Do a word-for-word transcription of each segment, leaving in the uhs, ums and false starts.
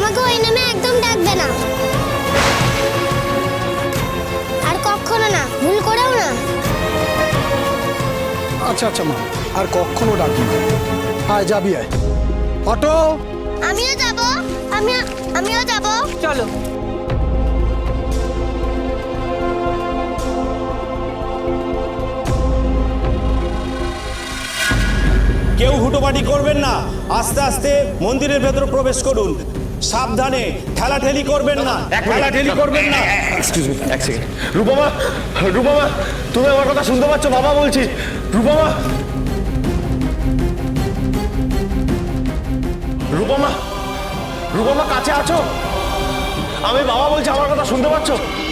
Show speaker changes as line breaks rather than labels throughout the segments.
আমাকে ওই নামে একদম ডাকবে না, আর কখনো না, ভুল করেও না।
আচ্ছা আচ্ছা মা, আর কখনো ডাকবি না। আয় যাবি, আয়। অটো।
আমিও যাব, আমি আমিও যাব।
চলো।
কেউ হুটোপাটি করবেন না, আস্তে আস্তে মন্দিরের ভেতরে প্রবেশ করুন। সাবধানে, ঠেলাঠেলি করবেন না, ঠেলাঠেলি করবেন না।
এক্সকিউজ মি, এক সেকেন্ড। রূপমা, রূপমা, তুমি আমার কথা শুনতে পাচ্ছ? বাবা বলছি। রূপমা, রূপমা, রূপমা কাছে আছো? আমি বাবা বলছি, আমার কথা শুনতে পাচ্ছ?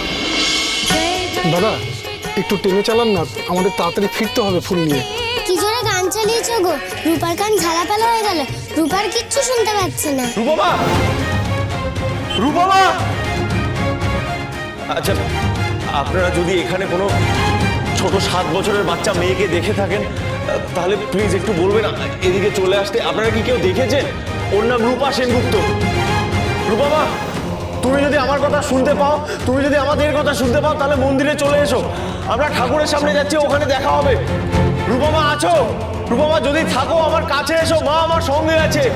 দাদা একটু টেনে চালান না, আমাদের তাড়াতাড়ি ফিরতে হবে ফুল নিয়ে।
কি জোরে গান চালিয়েছো গো, রূপার কান ঝালাপালা হয়ে গেল, রূপার কিচ্ছু শুনতে পাচ্ছে না।
রূপমা, রূপমা। আচ্ছা, আপনারা যদি এখানে কোনো ছোট সাত বছরের বাচ্চা মেয়েকে দেখে থাকেন তাহলে প্লিজ একটু বলবেন এদিকে চলে আসতে। আপনারা কি কেউ দেখেছেন? ওর নাম রূপা সেনগুপ্ত। রূপমা, তুমি যদি আমার কথা শুনতে পাও, তুমি যদি আমাদের কথা শুনতে পাও তাহলে মন্দিরে চলে এসো। আমরা ঠাকুরের সামনে যাচ্ছি, ওখানে দেখা হবে। রূপমা আছো? রূপমা যদি থাকো আমার কাছে এসো, মা আমার সঙ্গে আছে।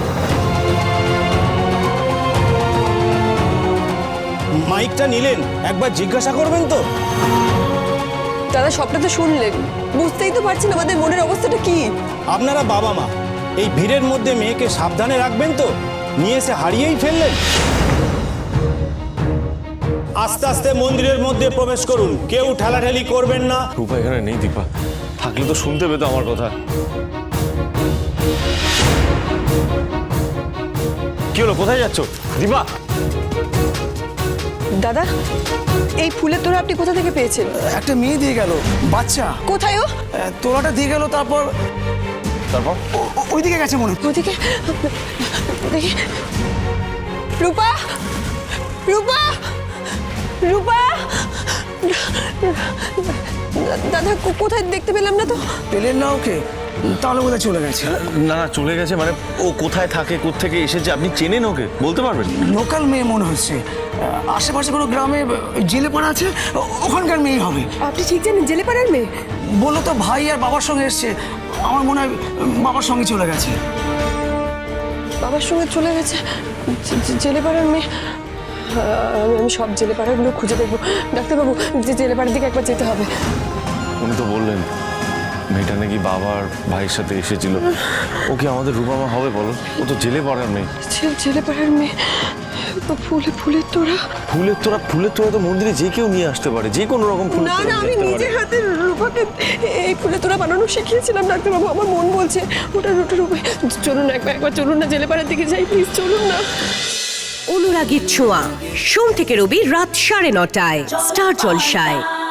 মাইকটা নিলেন, একবার জিজ্ঞাসা করবেন তো।
দাদা সবটা তো শুনলেন, বুঝতেই তো পারছেন আমাদের মনের অবস্থাটা কি।
আপনারা বাবা মা, এই ভিড়ের মধ্যে মেয়েকে সাবধানে রাখবেন তো, নিয়ে এসে হারিয়েই ফেললেন। আস্তে আস্তে মন্দিরের মধ্যে প্রবেশ করুন, কেউ ঠেলাঠেলি করবেন না।
রূপা এখানে নেই, দীপা থাকলে তো শুনতে পেতো আমার কথা। কি হলো, কোথায় যাচ্ছ দীপা?
দাদা এই ফুলের তোড়া আপনি কোথা থেকে পেয়েছেন?
একটা মেয়ে দিয়ে গেল, বাচ্চা।
কোথায় ও?
তোলাটা দিয়ে গেল, তারপর
তারপর
ওইদিকে গেছে মনে হয়।
ওদিকে দেখি। রূপা, রূপা, রূপা। দাদা কো- কোথায় দেখতে পেলাম না তো।
পেলেন না ওকে? তাহলে বোধহয় চলে গেছে।
না না, চলে গেছে মানে ও কোথায় থাকে, কোত্থেকে এসেছে, আপনি চেনেন ওকে? বলতে পারবেন?
লোকাল মেয়ে মনে হচ্ছে, আশেপাশে কোনো গ্রামে জেলে পড়া আছে, ওখানকার মেয়ে হবে।
আপনি ঠিক জানেন জেলে পাড়ার মেয়ে?
বললো তো ভাই আর বাবার সঙ্গে এসছে, আমার মনে হয় বাবার সঙ্গে চলে গেছে।
বাবার সঙ্গে চলে গেছে, জে- জে- জেলে পাড়ার মেয়ে। আমি আমি সব জেলে পাড়াগুলো খুঁজে দেখবো। ডাক্তারবাবু, যে জেলে পাড়ার দিকে একবার যেতে হবে।
উনি তো বললেন মেয়েটা নাকি বাবার ভাইয়ের সাথে এসেছিল। ও কি আমাদের রূপমা হবে বলো? ও তো জেলে পড়ার মেয়ে।
জে- জেলে পাড়ার মেয়ে তো ফুলে ফুলের তোড়া।
ফুলের তোরা, ফুলের তোরা তো মন্দিরে যে কেউ নিয়ে আসতে পারে, যে কোনো রকম ফুলের
না
তোড়া
না,
নিয়ে
আমি
আসতে
নিজের
পারে।
হাতে রূপাকে এই ফুলের তোড়া বানানো শিখিয়েছিলাম ডাক্তারবাবু। আমার মন বলছে ওটা ওটার উপরে। চলুন একবার একবার চলুন না, জেলে পাড়ার দিকে যাই প্লিজ, চলুন না।
অনুরাগীর ছোঁয়া, সোম থেকে রবি রাত সাড়ে নটায় স্টার জলসায়।